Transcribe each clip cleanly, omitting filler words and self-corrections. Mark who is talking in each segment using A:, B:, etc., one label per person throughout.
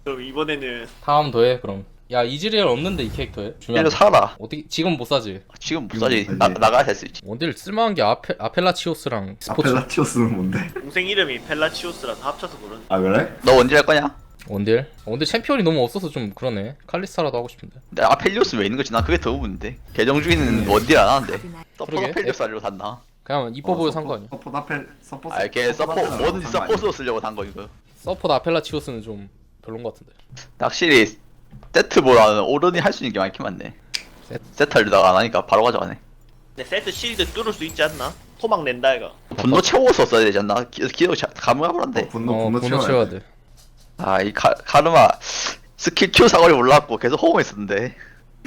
A: 그럼 이번에는
B: 다음 더해 그럼. 야 이즈리얼 없는데 이 캐릭터에
C: 얘를
B: 중요한.
C: 사라.
B: 어떻게 지금 못 사지?
C: 지금 못 사지.
D: 지금 못 사지.
C: 나가야 될 수 있지.
B: 원딜 쓸만한 게 아펠라치오스랑 스포츠.
D: 아펠라티오스는 뭔데?
A: 동생 이름이 펠라치오스라서 합쳐서 부르는.
D: 아 그래?
C: 너 언제 할 거냐?
B: 원딜 챔피언이 너무 없어서 좀 그러네. 칼리스타라도 하고 싶은데.
C: 근데 아펠리오스 왜 있는 거지? 난 그게 더 의문인데. 계정 중에는 원딜 안 하는데. 서포
B: 그러게.
C: 아펠리오스 하려고 샀나?
B: 그냥 이뻐 보여 산 거 아니야.
D: 서포트 아펠 서포트.
C: 아, 걔 서포 뭐든 서포트로 쓰려고 산 거 이거.
B: 서포트 아펠라치오스는 좀 별론 것 같은데.
C: 확실히 세트보다는 오른이 할 수 있는 게 많긴 많네. 세트 하려다가 안 하니까 바로 가져가네.
A: 근데 세트 실드 뚫을 수 있지 않나? 토막 낸다 이거.
C: 분노 채워서 써야 되지 않나? 기록 가물가물한데.
D: 분노
B: 분노 채워야 돼.
C: 아, 이 카르마 스킬 Q 사거리 올라왔고 계속 호응했었는데.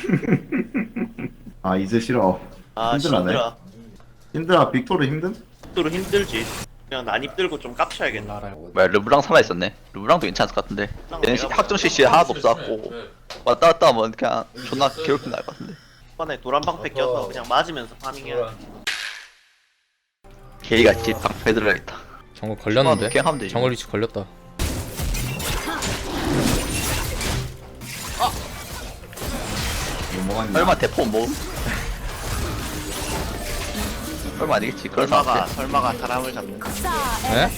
D: 아 이제 싫어.
A: 아
D: 힘들하네.
A: 힘들어.
D: 힘들어. 빅토르 힘든?
A: 뚫으 힘들지. 그냥 난입 들고 좀 깝쳐야겠나.
C: 뭐야, 르브랑 살아있었네. 르브랑도 괜찮을 것 같은데. 얘는 학점 CC 하나도 없어갖고 왔다 갔다 하면 그냥 존나 괴롭힌 나을 것 같은데.
A: 이번에 도란방패 껴서 그냥 맞으면서 파밍해야 돼.
C: 개이같이 방패 들어야겠다.
B: 정글 걸렸는데.
C: 그냥 하면 되지.
B: 정글 위치 걸렸다.
D: 넘어갔냐?
C: 설마 대포 모음? 설마 아니겠지. 그런 사람
A: 설마가 사람을 잡는.
B: 에?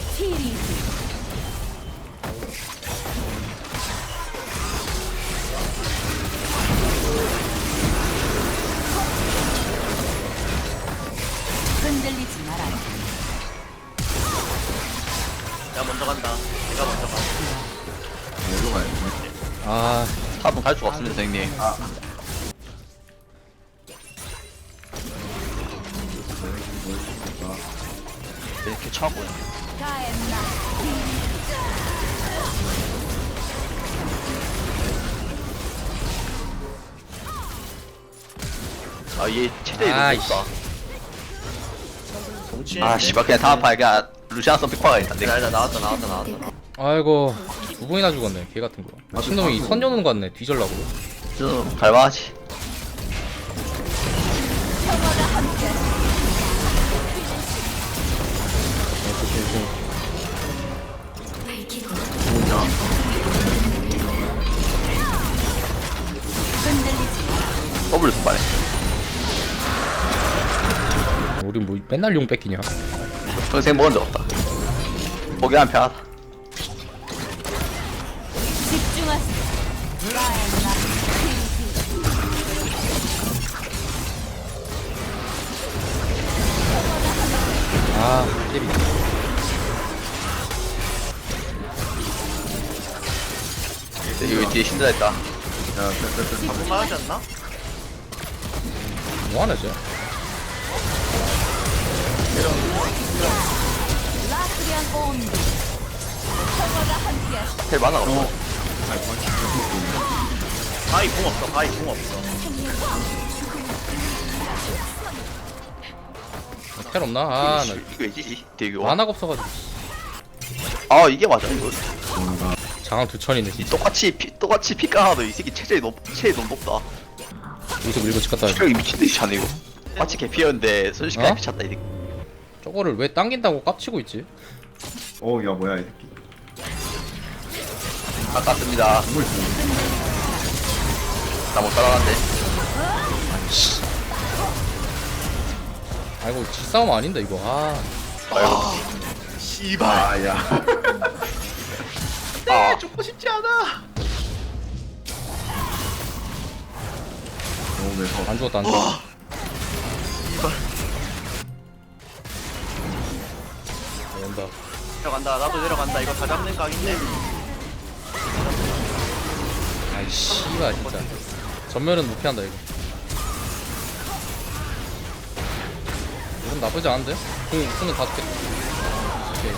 E: 흔들리지 마라.
A: 내가 먼저 간다. 내가 먼저 가.
D: 어디로 가야 돼?
B: 아
C: 탑은 갈 수가 없습니다, 형님. 이렇게 차고.
E: 가엔나.
C: 아, 얘 체력이 너무
B: 아이씨.
C: 없다.
A: 정치.
C: 아, 씨발, 그냥 다음 판에 그냥 루시안 선픽화가 일단 내가.
A: 나 나왔다.
B: 아이고 두 번이나 죽었네. 개 같은 거. 미친놈이 선 여는 거 같네. 뒤질라고.
C: 좀 갈만하지. 더블 손발에.
B: 우리 뭐 맨날 용 뺏기냐.
C: 평생 먹은 적 없다. 포기하면 편하다.
E: 집중하세요. 가엔나.
B: 아 깨비.
C: 여기 뒤에 신드라 있다.
D: 야, 빼.
A: 얼마하지 않나?
B: 뭐하나 쟤.
E: 라트리안 온도. 평화가 함께하시.
C: 텔 많아 없어.
A: 바이 궁 없어. 바이 궁 없어.
B: 텔 없나? 아나
C: 이거 왜지? 되게 와.
B: 만화가 없어가지고.
C: 아, 이게 맞아 이거.
B: 장항 두천이네 진짜.
C: 똑같이 피까나도 이 새끼 체력이 너무 높다.
B: 여기서 밀고 집 갔다 와야지.
C: 체력이 미친 듯이 차네 이거. 마치 개피였는데 순식간에
B: 어?
C: 미쳤다 이 새끼.
B: 저거를 왜 당긴다고 깝치고 있지?
D: 어, 야 뭐야 이 새끼.
C: 아깝습니다.
D: 뭘 주는
C: 나 못 따라간대.
B: 아이고 뒷싸움 아닌데 이거. 아
C: 아이고.
A: 씨발.
D: 아, 야.
C: 아,
A: 죽고 싶지 않아.
D: 너무 매서.
B: 안 죽었다 안 죽었다. 온다.
A: 내려간다. 나도 내려간다. 이거 다 잡는 각인데.
B: 아이 씨발 진짜. 전멸은 못 피한다 이거. 이건 나쁘지 않은데? 궁은 다 죽겠다. 오케이.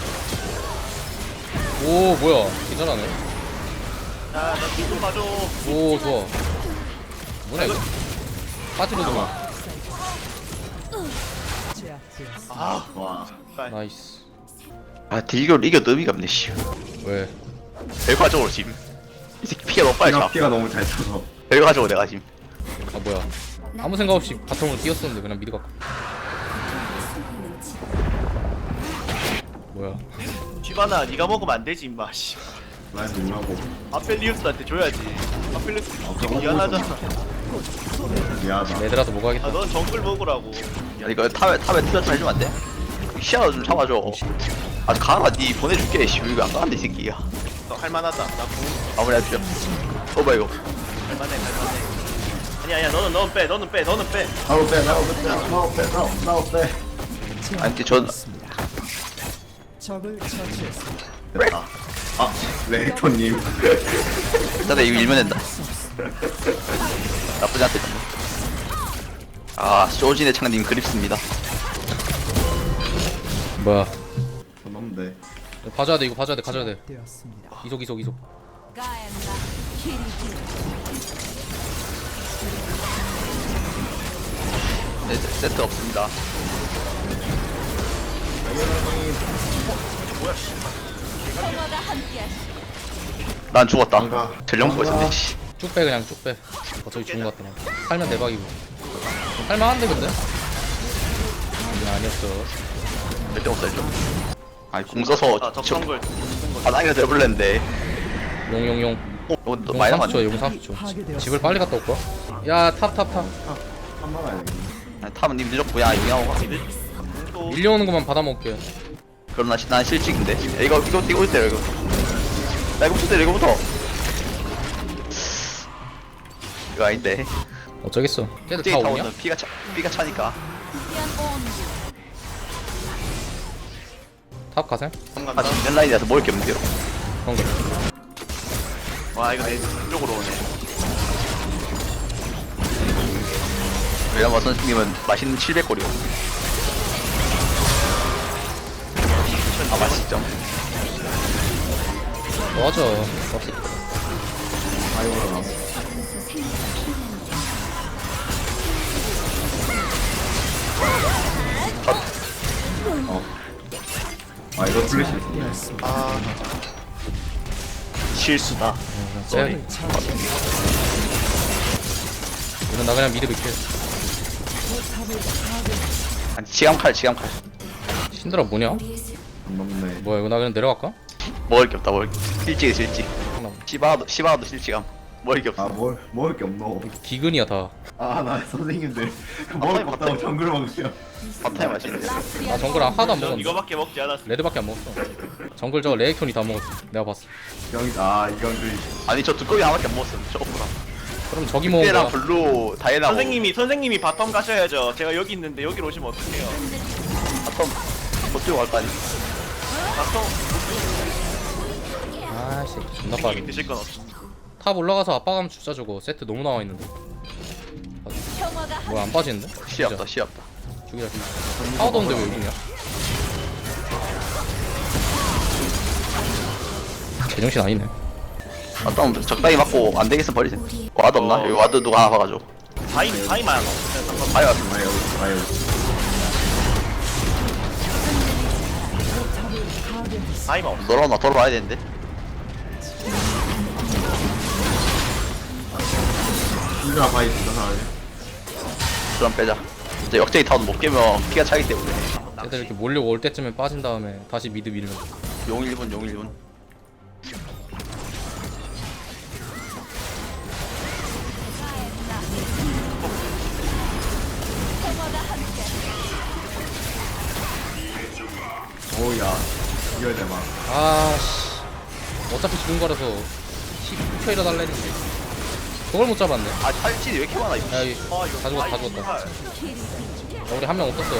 B: 오 뭐야 괜찮아네.
A: 야, 나 뒤좀 봐줘.
B: 오 좋아. 뭐냐 이거. 빠지로 들어.
A: 아,
D: 와.
B: 나이스.
C: 아 딜교를 이겨도 의미가 없네 씨.
B: 왜?
C: 결과적으로 지금 이 새끼 피가 너무 빨리 차.
D: 피가 너무 잘 차서.
C: 결과적으로 내가 지금.
B: 아 뭐야. 아무 생각 없이 바텀으로 뛰었었는데 그냥 미드 갔고. 뭐야.
A: 쥐바나 네가 먹으면 안 되지 임마. 씨.
D: 라인 밀라고.
A: 아펠리우스한테 줘야지. 아펠리우스 미안하잖아.
D: 미안하다.
B: 얘들아도 뭐 가겠다.
A: 넌 정글 먹으라고.
C: 이거 탑에 투자 좀 해주면 안 돼? 시야도 좀 잡아줘. 아 가라 니 보내줄게. 씨 이거 안 가는데 이 새끼야.
A: 할만하다. 나 궁.
C: 마무리해주죠. 오바 이거.
A: 할만해. 아니야 너는 빼.
D: 나도 빼.
C: 아니 근데 전
D: 됐다. 아, 레이토님.
C: 일단 이거 일면 된다. 나쁘지 않다. 아 쇼진의 창님 그립습니다.
B: 뭐야?
D: 넘는데.
B: 봐줘야 돼. 이거 봐줘야 돼. 가져야 돼. 이속.
E: 가엔나 키리키.
C: 네, 세트 없습니다.
E: 평화가 함께하시.
C: 난 죽었다.
D: 뭔가-
C: 전령 보고 있었네. 씨.
B: 쭉 빼 그냥 쭉 빼. 어차피 죽은 것 같더라. 살면 대박이고. 살만한데 근데? 아니었어.
C: 절대 못 살죠. 아니 공 써서
A: 아 적정글.
C: 바닥에 내버렸는데.
B: 용용용.
C: 너
B: 용
C: 많이
B: 30초야.
C: 남았네.
B: 용 30초. 집을 빨리 갔다 올까? 야 탑.
D: 한번 가야 돼.
C: 아니, 탑은 님 늦었고 야 용양호 가.
B: 밀려오는 것만 받아 먹게.
C: 그럼 난 실직인데. 야, 이거 때려 이거. 나 이거부터 때려 이거부터. 이거 아닌데.
B: 어쩌겠어. 걔들 다
C: 갑자기
B: 오냐?
C: 타오는 피가 차니까.
E: 위한 온도.
B: 탑 가셈?
C: 아 지금 라인이라서 먹을 게 없는데요.
B: 그런 거.
A: 와 이거 내 쪽으로 오네.
C: 왜냐면 선생님은 맛있는 700골이요. 아 맛있죠.
B: 맞아.
D: 아이오라 나. 아, 이거 플래시 있어.
A: 실수다.
B: 쟤. 이건 나 그냥 미드 밀게.
C: 아니 지감칼.
B: 신드라 뭐냐?
D: 안 넘네.
B: 뭐야 이거 나 그냥 내려갈까?
C: 먹을 게 없다 먹을 게. 실직.
B: 잠깐만.
C: 시바도 실직함. 먹을 게 없어.
D: 아, 먹을 게 없노.
B: 기근이야 다.
D: 아, 나 선생님들. 먹을 거 없다고 정글 먹으세요.
C: 밥타임 맛있는데.
B: 나 정글 하나도 안
A: 전
B: 먹었어.
A: 이거밖에 먹지 않았어.
B: 레드밖에 안 먹었어. 정글 저거 레이톤이 다 먹었어. 내가 봤어.
D: 이건 그.
C: 아니 저 두꺼비 하나밖에 안 먹었어. 저거랑.
B: 그럼 저기 먹은
C: 때랑
B: 거야.
C: 블루 다이애나.
A: 선생님이 바텀 가셔야죠. 제가 여기 있는데 여기로 오시면 어떡해요?
C: 바텀 못 들고 갈 거 아니.
A: 바텀
B: 아씨 존나
A: 여기
B: 빠르네.
A: 드실 건 없어.
B: 탑 올라가서 아빠 가면 주자 저거. 세트 너무 나와 있는데.
E: 평화가
B: 뭐야 안 빠지는데?
C: 시 없다.
B: 죽이자. 파워도 없는데 왜 여기냐? 제정신 아니네.
C: 바텀 적당히 맞고 안 되겠으면 버리세요. 와드 없나? 여기 와드 누가 하나 봐가지고.
A: 다이만
C: 아이 왔어.
D: 아유.
A: 다이만 없어.
C: 너랑 나 돌아와야 되는데.
D: 힘들어 바이 진짜 잘해.
C: 그럼 빼자. 이제 역전이 타운 못 깨면 피가 차기 때문에.
B: 애들 이렇게 몰려올 때쯤에 빠진 다음에 다시 미드 밀면.
C: 용 1분.
E: 평화가 함께.
D: 오야. 이겨야 돼 막.
B: 아씨. 어차피 죽은 거라서 10초 일어달랬는데. 그걸 못 잡았네. 야
C: 아 탈진이 왜 이렇게 많아 이거.
B: 여기 다 죽었다. 야, 우리 한 명 없었어.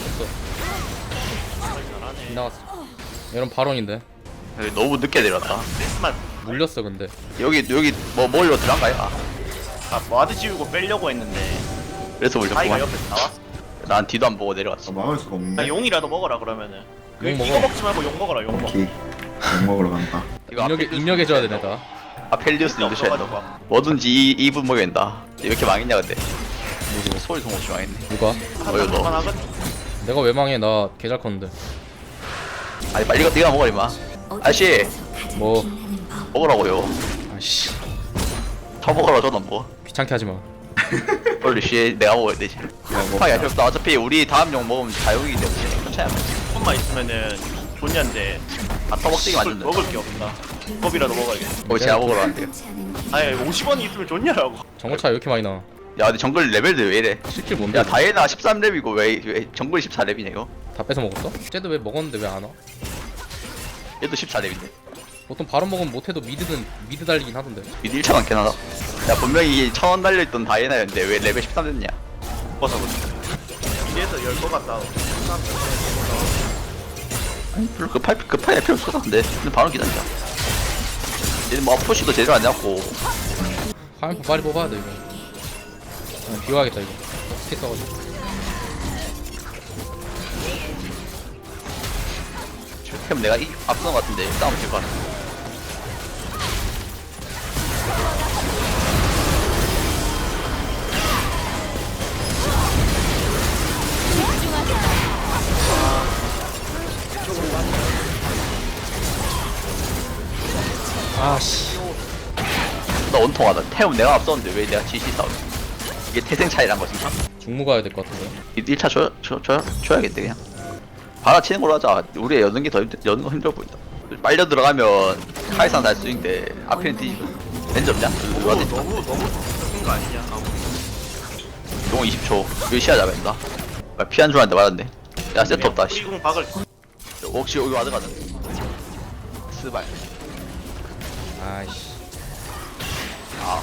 B: 나갔어. 이런 발언인데.
C: 여기 너무 늦게 내렸다.
A: 크리스만
B: 물렸어 근데.
C: 여기 뭐 뭘로 들어간 거야?
A: 와드 지우고 빼려고 했는데
C: 그래서
A: 다이가
C: 물렸구만.
A: 옆에 나왔어.
C: 난 뒤도 안 보고 내려왔어.
D: 막을 수가 없는데.
A: 용이라도 먹어라 그러면은.
B: 용 먹어.
A: 이거 먹지 말고 용 먹어라. 용 먹어.
D: 오케이. 용 먹으러 간다.
C: 이거
B: 입력해줘야 되네 다.
C: 아펠리우스 넣으셔야 돼. 뭐든지 2분 먹여야 된다. 왜 이렇게 망했냐 근데. 누구 소리 성없이 망했네.
B: 누가?
C: 어여 너.
A: 그만하건.
B: 내가 왜 망해? 나 개잘 컸는데.
C: 아니 빨리 네가 먹어 임마. 아저씨
B: 뭐?
C: 먹으라고요.
B: 아씨.
C: 더 먹으라 저는 뭐.
B: 귀찮게 하지 마.
C: 빨리 씨 내가 먹어야 되지. 파야 필요 없다. 어차피 우리 다음 용 먹으면 자용이기 때문에 괜찮아.
A: 손만 있으면은 존냐인데
C: 다 터벅대기 만든다.
A: 먹을 게 없다. 법이라도 먹어야겠다.
C: 거기 제가 먹으러 왔는데요.
A: 아니 50원이 있으면 좋냐라고.
B: 정거 차이 왜 이렇게 많이 나?
C: 야 근데 정글 레벨들 왜 이래?
B: 스킬 뭔데?
C: 야 다이애나 13렙이고 왜 정글 14렙이냐 이거?
B: 다 뺏어 먹었어? 쟤도 왜 먹었는데 왜 안 와?
C: 얘도 14렙인데
B: 보통 바로 먹으면 못해도 미드 달리긴 하던데.
C: 미드 1차 많긴 하다. 야 분명히 1000원 달려있던 다이애나였는데 왜 레벨 13 됐냐?
A: 벗어 보자. 이래서 열 것 같다.
C: 아니 별로 급할 필요 없을 것 같은데. 근데 바로 기다리자. 얘는 뭐 푸시도 제대로 안 잡고
B: 화면포 빨리 뽑아야 돼 이거. 비워야겠다 이거. 스킬 써가지고.
C: 그럼 내가 앞선 것 같은데 싸움 될것 같아.
B: 아씨.
C: 나 원통하다. 태움 내가 앞섰는데 왜 내가 GC 싸우지? 이게 태생 차이란 거지.
B: 중무 가야 될 것 같은데.
C: 1차 줘야겠네 그냥. 바라 치는 걸로 하자. 우리 여는 게 더 여는 거 힘들어 보인다. 빨려 들어가면 카이산 날 수 있는데 앞에는 뒤지고. 렌즈 없냐? 누가 됐다.
A: 너무 적은 거 아니냐?
C: 용 20초. 여기 시야 잡아야 된다. 피한 줄 알았는데 맞았네. 야 세트 없다. 씨.
A: 우리공 박을.
C: 혹시 여기 와드 가자. 스발.
B: 아이씨.
C: 아.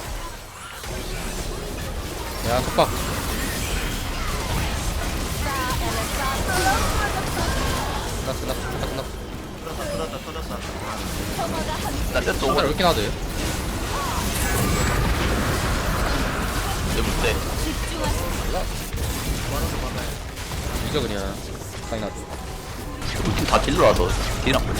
B: 야 속박. 끝났어.
A: 터졌다.
C: 나 세트
B: 왜
C: 오고.
B: 이렇게 나대?
C: 이제 못돼.
B: 잊어 그냥. 상이 나대.
C: 우리 팀 다 딜러라서 딜 안 보네.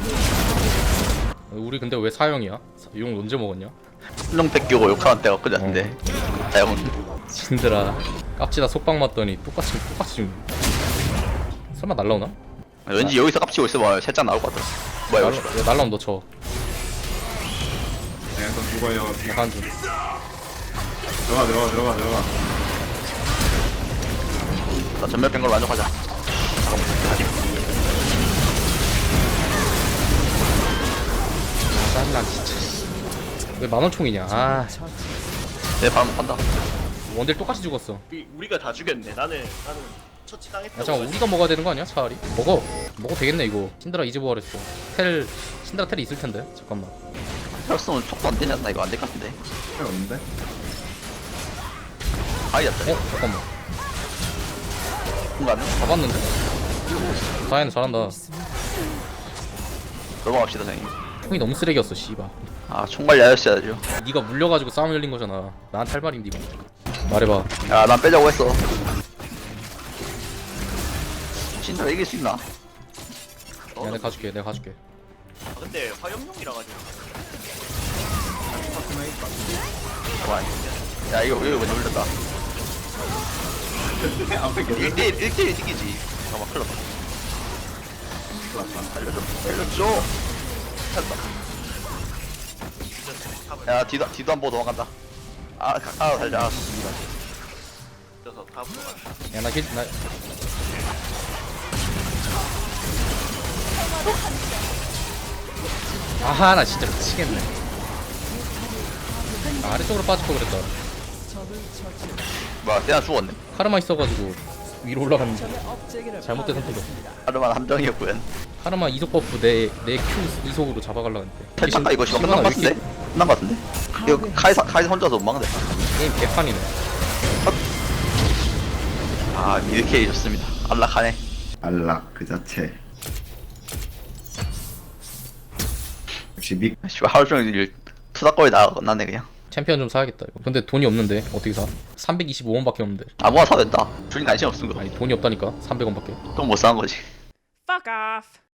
B: 우리 근데 왜 사형이야? 용 언제 먹었냐?
C: 한명 뺏기고 욕하는 때가 엊그제 같은데. 다영은.
B: 진들아 깝치다 속박 맞더니 똑같이 죽네. 설마 날라오나?
C: 왠지 여기서 깝치고 있으면 살짝 나올 것 같아. 뭐야 이거.
B: 야, 날라오면 너 쳐.
D: 내가 또 죽어요.
B: 약간 좀.
D: 들어가.
C: 나 전멸 뺀 걸로 만족하자. 잠깐만. 하지.
B: 짜증나 진짜. 왜 만원총이냐? 아
C: 내 바람 못 판다.
B: 원딜 똑같이 죽었어.
A: 우리가 다 죽였네. 나는 처치당했다.
B: 야 잠깐 우리가 먹어야 되는 거 아니야 차라리? 먹어도 되겠네 이거. 신드라 이제 부활했어. 신드라 텔이 있을 텐데. 잠깐만.
C: 혈성은 촉도 안 되지 않나 이거 안 될 것 같은데.
D: 필요 없는데?
C: 아이 잡자.
B: 잠깐만.
C: 순간
B: 잡았는데? 다이애는 잘한다.
C: 넘어갑시다 선생님.
B: 총이 너무 쓰레기였어 씨발.
C: 아 총괄 야였어야죠.
B: 네가 물려가지고 싸움 열린 거잖아. 나한테 할 말인데 이거. 말해봐.
C: 야난 빼자고 했어. 진짜 이길 수 있나?
B: 야 내가 가줄게.
A: 근데 화염용이라 가지고.
C: 그만. 야 이거 먼저 올렸다.
D: 앞에 계속
C: 1대1 이기지. 잠깐만 큰일 났다. 알려줘. 찾았다. 야 뒤도 안 보고 도망간다. 살자.
A: 그래서 탑으로 가.
B: 야나 아하 나 진짜 미치겠네. 아래쪽으로 빠질 거 그랬다.
C: 뭐야 쟤나 죽었네.
B: 카르마 있어가지고 위로 올라갔는데 잘못된 선택이었어.
C: 하루만 함정이었구요.
B: 카르마 이속 버프 내 Q 이속으로 잡아가려고 했는데.
C: 탈착가 이거 지금 끝난 것 같은데? 끝난 것 같은데? 이거 카이사 혼자서 못 막네.
B: 게임 개판이네.
C: 아 이렇게 좋습니다. 안락하네.
D: 안락 그 자체. 역시
C: 씨발 하루 종일 투닥거리 나네 그냥.
B: 챔피언 좀 사야겠다 이거. 근데 돈이 없는데 어떻게 사? 325원밖에 없는데.
C: 아무나 사도 된다. 주인 관심 없은 거.
B: 아니 돈이 없다니까. 300원밖에.
C: 또 못 사는 거지.
E: Fuck off.